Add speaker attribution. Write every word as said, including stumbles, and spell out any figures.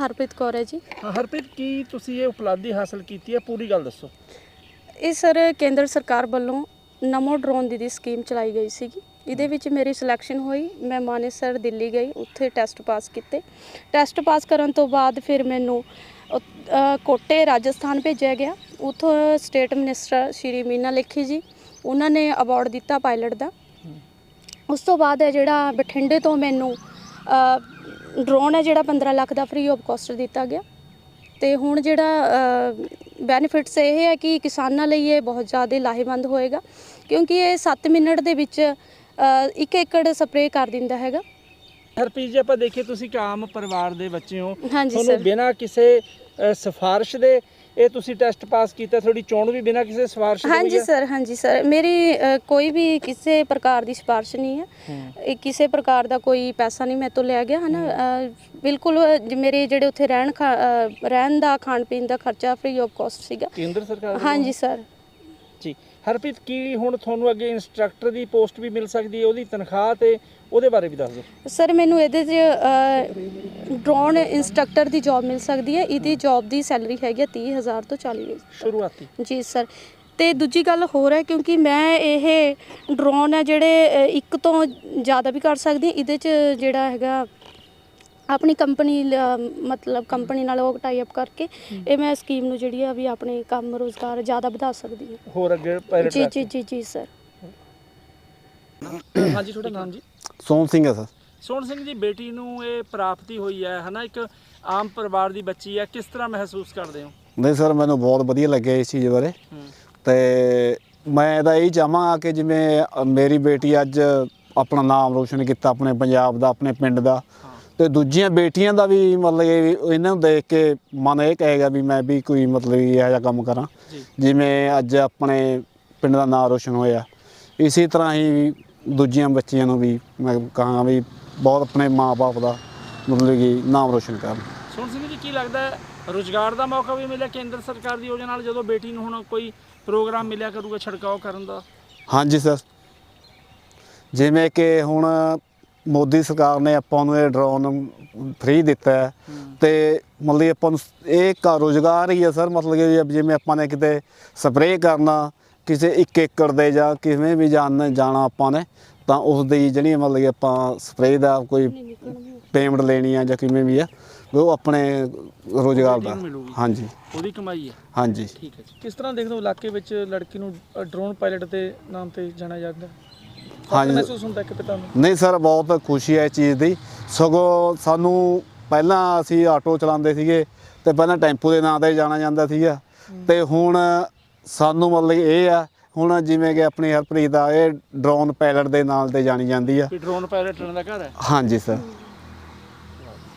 Speaker 1: हरप्रीत कौर है जी।
Speaker 2: हाँ हरप्रीत, की तुसी ये उपलब्धि हासिल की है, पूरी गल दसो।
Speaker 1: ਇਹ ਸਰ ਕੇਂਦਰ ਸਰਕਾਰ ਵੱਲੋਂ ਨਮੋ ਡਰੋਨ ਦੀ ਦੀ ਸਕੀਮ ਚਲਾਈ ਗਈ ਸੀਗੀ। ਇਹਦੇ ਵਿੱਚ ਮੇਰੀ ਸਿਲੈਕਸ਼ਨ ਹੋਈ। ਮੈਂ ਮਾਨੇਸਰ ਦਿੱਲੀ ਗਈ, ਉੱਥੇ ਟੈਸਟ ਪਾਸ ਕੀਤੇ। ਟੈਸਟ ਪਾਸ ਕਰਨ ਤੋਂ ਬਾਅਦ ਫਿਰ ਮੈਨੂੰ ਕੋਟੇ ਰਾਜਸਥਾਨ ਭੇਜਿਆ ਗਿਆ। ਉੱਥੋਂ ਸਟੇਟ ਮਿਨਿਸਟਰ ਸ਼੍ਰੀ ਮੀਨਾ ਲੇਖੀ ਜੀ, ਉਹਨਾਂ ਨੇ ਅਵਾਰਡ ਦਿੱਤਾ ਪਾਇਲਟ ਦਾ। ਉਸ ਤੋਂ ਬਾਅਦ ਹੈ ਜਿਹੜਾ ਬਠਿੰਡੇ ਤੋਂ ਮੈਨੂੰ ਡਰੋਨ ਹੈ ਜਿਹੜਾ ਪੰਦਰਾਂ ਲੱਖ ਦਾ ਫ੍ਰੀ ਆਫ ਕੋਸਟ ਦਿੱਤਾ ਗਿਆ। ਤੇ ਹੁਣ ਜਿਹੜਾ ਬੈਨੀਫਿਟਸ ਇਹ ਹੈ ਕਿ ਕਿਸਾਨਾਂ ਲਈ ਇਹ ਬਹੁਤ ਜ਼ਿਆਦਾ ਲਾਹੇਵੰਦ ਹੋਏਗਾ, ਕਿਉਂਕਿ ਇਹ ਸੱਤ ਮਿੰਟ ਦੇ ਵਿੱਚ ਇੱਕ ਏਕੜ ਸਪਰੇਅ ਕਰ ਦਿੰਦਾ ਹੈਗਾ।
Speaker 2: ਹਰਪ੍ਰੀਤ ਜੀ, ਆਪਾਂ ਦੇਖੀਏ ਤੁਸੀਂ ਇੱਕ ਆਮ ਪਰਿਵਾਰ ਦੇ ਬੱਚੇ ਹੋ,
Speaker 1: ਹਾਂਜੀ
Speaker 2: ਤੁਹਾਨੂੰ
Speaker 1: ਸਰ।
Speaker 2: ਬਿਨਾਂ ਕਿਸੇ ਸਿਫਾਰਿਸ਼ ਦੇ ਇਹ ਤੁਸੀਂ ਟੈਸਟ ਪਾਸ ਕੀਤਾ, ਤੁਹਾਡੀ ਚੋਣ ਵੀ ਬਿਨਾਂ ਕਿਸੇ ਸਿਫਾਰਿਸ਼ ਦੇ?
Speaker 1: ਹਾਂਜੀ ਸਰ, ਹਾਂਜੀ ਸਰ, ਮੇਰੀ ਅ, ਕੋਈ ਵੀ ਕਿਸੇ ਪ੍ਰਕਾਰ ਦੀ ਸਿਫਾਰਿਸ਼ ਨਹੀਂ ਹੈ। ਇਹ ਕਿਸੇ ਪ੍ਰਕਾਰ ਦਾ ਕੋਈ ਪੈਸਾ ਨਹੀਂ ਮੇਰੇ ਤੋਂ ਲਿਆ ਗਿਆ ਹੈ ਨਾ। ਬਿਲਕੁਲ ਮੇਰੇ ਜਿਹੜੇ ਉੱਥੇ ਰਹਿਣ ਖਾ ਅ, ਰਹਿਣ ਦਾ ਖਾਣ ਪੀਣ ਦਾ ਖਰਚਾ ਫ੍ਰੀ ਆਫ ਕੋਸਟ ਸੀਗਾ
Speaker 2: ਕੇਂਦਰ ਸਰਕਾਰ?
Speaker 1: ਹਾਂਜੀ ਸਰ
Speaker 2: ਜੀ। ਹਰਪ੍ਰੀਤ, ਕੀ ਹੁਣ ਤੁਹਾਨੂੰ ਅੱਗੇ ਇੰਸਟ੍ਰਕਟਰ ਦੀ ਪੋਸਟ ਵੀ ਮਿਲ ਸਕਦੀ ਹੈ, ਉਹਦੀ ਤਨਖਾਹ ਤੇ ਉਹਦੇ ਬਾਰੇ ਵੀ ਦੱਸ ਦਿਓ।
Speaker 1: ਸਰ ਮੈਨੂੰ ਇਹਦੇ 'ਚ ਡਰੋਨ ਇੰਸਟ੍ਰਕਟਰ ਦੀ ਜੌਬ ਮਿਲ ਸਕਦੀ ਹੈ। ਇਹਦੀ ਜੌਬ ਦੀ ਸੈਲਰੀ ਹੈਗੀ ਤੀਹ ਹਜ਼ਾਰ ਤੋਂ ਚਾਲੀ ਹਜ਼ਾਰ
Speaker 2: ਸ਼ੁਰੂਆਤੀ।
Speaker 1: ਜੀ ਸਰ। ਤੇ ਦੂਜੀ ਗੱਲ ਹੋਰ ਹੈ, ਕਿਉਂਕਿ ਮੈਂ ਇਹ ਡਰੋਨ ਹੈ ਜਿਹੜੇ ਇੱਕ ਤੋਂ ਜ਼ਿਆਦਾ ਵੀ ਕਰ ਸਕਦੀ। ਇਹਦੇ 'ਚ ਜਿਹੜਾ ਹੈਗਾ ਆਪਣੀ ਕੰਪਨੀ ਮਤਲਬ ਕੰਪਨੀ ਨਾਲ ਉਹ ਟਾਈ ਅਪ ਕਰਕੇ ਇਹ ਮੈਂ ਸਕੀਮ ਨੂੰ ਜਿਹੜੀ ਆ ਵੀ ਆਪਣੇ ਕੰਮ ਰੋਜ਼ਗਾਰ ਜ਼ਿਆਦਾ ਵਧਾ ਸਕਦੀ ਹਾਂ
Speaker 2: ਹੋਰ ਅੱਗੇ ਪਾਇਲਟ।
Speaker 1: ਜੀ ਜੀ ਜੀ ਜੀ ਸਰ।
Speaker 2: ਹਾਂਜੀ, ਤੁਹਾਡਾ ਨਾਮ ਜੀ?
Speaker 3: ਸੋਹਣ ਸਿੰਘ ਹੈ ਸਰ।
Speaker 2: ਸੋਹਣ ਸਿੰਘ ਜੀ, ਬੇਟੀ ਨੂੰ ਇਹ ਪ੍ਰਾਪਤੀ ਹੋਈ ਹੈ ਹੈ ਨਾ, ਇੱਕ ਆਮ ਪਰਿਵਾਰ ਦੀ ਬੱਚੀ ਹੈ, ਕਿਸ ਤਰ੍ਹਾਂ ਮਹਿਸੂਸ ਕਰਦੇ ਹੋ?
Speaker 3: ਨਹੀਂ ਸਰ, ਮੈਨੂੰ ਬਹੁਤ ਵਧੀਆ ਲੱਗਿਆ ਇਸ ਚੀਜ਼ ਬਾਰੇ। ਤੇ ਮੈਂ ਤਾਂ ਇਹੀ ਚਾਹਾਂਗਾ ਕਿ ਜਿਵੇਂ ਮੇਰੀ ਬੇਟੀ ਅੱਜ ਆਪਣਾ ਨਾਮ ਰੋਸ਼ਨ ਕੀਤਾ ਆਪਣੇ ਪੰਜਾਬ ਦਾ, ਆਪਣੇ ਪਿੰਡ ਦਾ, ਤੇ ਦੂਜੀਆਂ ਬੇਟੀਆਂ ਦਾ ਵੀ ਮਤਲਬ ਇਹ ਇਹਨਾਂ ਨੂੰ ਦੇਖ ਕੇ ਮਨ ਇਹ ਕਹੇਗਾ ਵੀ ਮੈਂ ਵੀ ਕੋਈ ਮਤਲਬ ਇਹੋ ਜਿਹਾ ਕੰਮ ਕਰਾਂ ਜਿਵੇਂ ਅੱਜ ਆਪਣੇ ਪਿੰਡ ਦਾ ਨਾਮ ਰੋਸ਼ਨ ਹੋਇਆ। ਇਸੇ ਤਰ੍ਹਾਂ ਹੀ ਦੂਜੀਆਂ ਬੱਚੀਆਂ ਨੂੰ ਵੀ ਮੈਂ ਕਹਾਂਗਾ ਵੀ ਬਹੁਤ ਆਪਣੇ ਮਾਂ-ਬਾਪ ਦਾ ਮਤਲਬ ਕਿ ਨਾਮ ਰੋਸ਼ਨ ਕਰਨ।
Speaker 2: ਸੋਹਣ ਸਿੰਘ ਜੀ, ਕੀ ਲੱਗਦਾ ਹੈ ਰੁਜ਼ਗਾਰ ਦਾ ਮੌਕਾ ਵੀ ਮਿਲਿਆ ਕੇਂਦਰ ਸਰਕਾਰ ਦੀ ਯੋਜਨਾ ਨਾਲ, ਜਦੋਂ ਬੇਟੀ ਨੂੰ ਹੁਣ ਕੋਈ ਪ੍ਰੋਗਰਾਮ ਮਿਲਿਆ ਕਰੂਗਾ ਛਿੜਕਾਓ ਕਰਨ ਦਾ?
Speaker 3: ਹਾਂਜੀ ਸਰ, ਜਿਵੇਂ ਕਿ ਹੁਣ ਮੋਦੀ ਸਰਕਾਰ ਨੇ ਆਪਾਂ ਨੂੰ ਇਹ ਡਰੋਨ ਫ੍ਰੀ ਦਿੱਤਾ ਹੈ ਤੇ ਮਤਲਬ ਆਪਾਂ ਨੂੰ ਇਹ ਕਾ ਰੁਜ਼ਗਾਰ ਹੀ ਹੈ ਸਰ। ਮਤਲਬ ਕਿ ਜਿਵੇਂ ਆਪਾਂ ਨੇ ਕਿਤੇ ਸਪਰੇਅ ਕਰਨਾ ਕਿਸੇ ਇੱਕ ਏਕੜ ਦੇ ਜਾਂ ਕਿਵੇਂ ਵੀ ਜਾਣ ਜਾਣਾ ਆਪਾਂ ਨੇ, ਤਾਂ ਉਸ ਦੀ ਜਿਹੜੀ ਮਤਲਬ ਕਿ ਆਪਾਂ ਸਪਰੇਅ ਦਾ ਕੋਈ ਪੇਮੈਂਟ ਲੈਣੀ ਆ ਜਾਂ ਕਿਵੇਂ ਵੀ ਆ, ਉਹ ਆਪਣੇ ਰੁਜ਼ਗਾਰ ਦਾ। ਹਾਂਜੀ,
Speaker 2: ਉਹਦੀ ਕਮਾਈ ਹੈ।
Speaker 3: ਹਾਂਜੀ
Speaker 2: ਠੀਕ ਹੈ ਜੀ। ਕਿਸ ਤਰ੍ਹਾਂ ਦੇਖਦੇ ਹੋ ਇਲਾਕੇ ਵਿੱਚ ਲੜਕੀ ਨੂੰ ਡਰੋਨ ਪਾਇਲਟ ਦੇ ਨਾਮ ਤੇ ਜਾਣਿਆ ਜਾਂਦਾ? ਹਾਂਜੀ, ਮਹਿਸੂਸ ਹੁੰਦਾ ਕਿ ਪਿਤਾ ਨੂੰ? ਨਹੀਂ
Speaker 3: ਸਰ, ਬਹੁਤ ਖੁਸ਼ੀ ਹੈ ਇਸ ਚੀਜ਼ ਦੀ। ਸਗੋਂ ਸਾਨੂੰ ਪਹਿਲਾਂ ਅਸੀਂ ਆਟੋ ਚਲਾਉਂਦੇ ਸੀਗੇ ਤੇ ਪਹਿਲਾਂ ਟੈਂਪੂ ਦੇ ਨਾਂ 'ਤੇ ਜਾਣਾ ਜਾਂਦਾ ਸੀਗਾ, ਤੇ ਹੁਣ ਸਾਨੂੰ ਮਤਲਬ ਇਹ ਆ ਹੁਣ ਜਿਵੇਂ ਕਿ ਆਪਣੀ ਹਰਪ੍ਰੀਤ ਦਾ ਇਹ ਡਰੋਨ ਪਾਇਲਟ ਦੇ ਨਾਲ 'ਤੇ ਜਾਣੀ ਜਾਂਦੀ ਆ।
Speaker 2: ਡਰੋਨ ਪਾਇਲਟ ਦਾ ਘਰ ਹੈ?
Speaker 3: ਹਾਂਜੀ ਸਰ।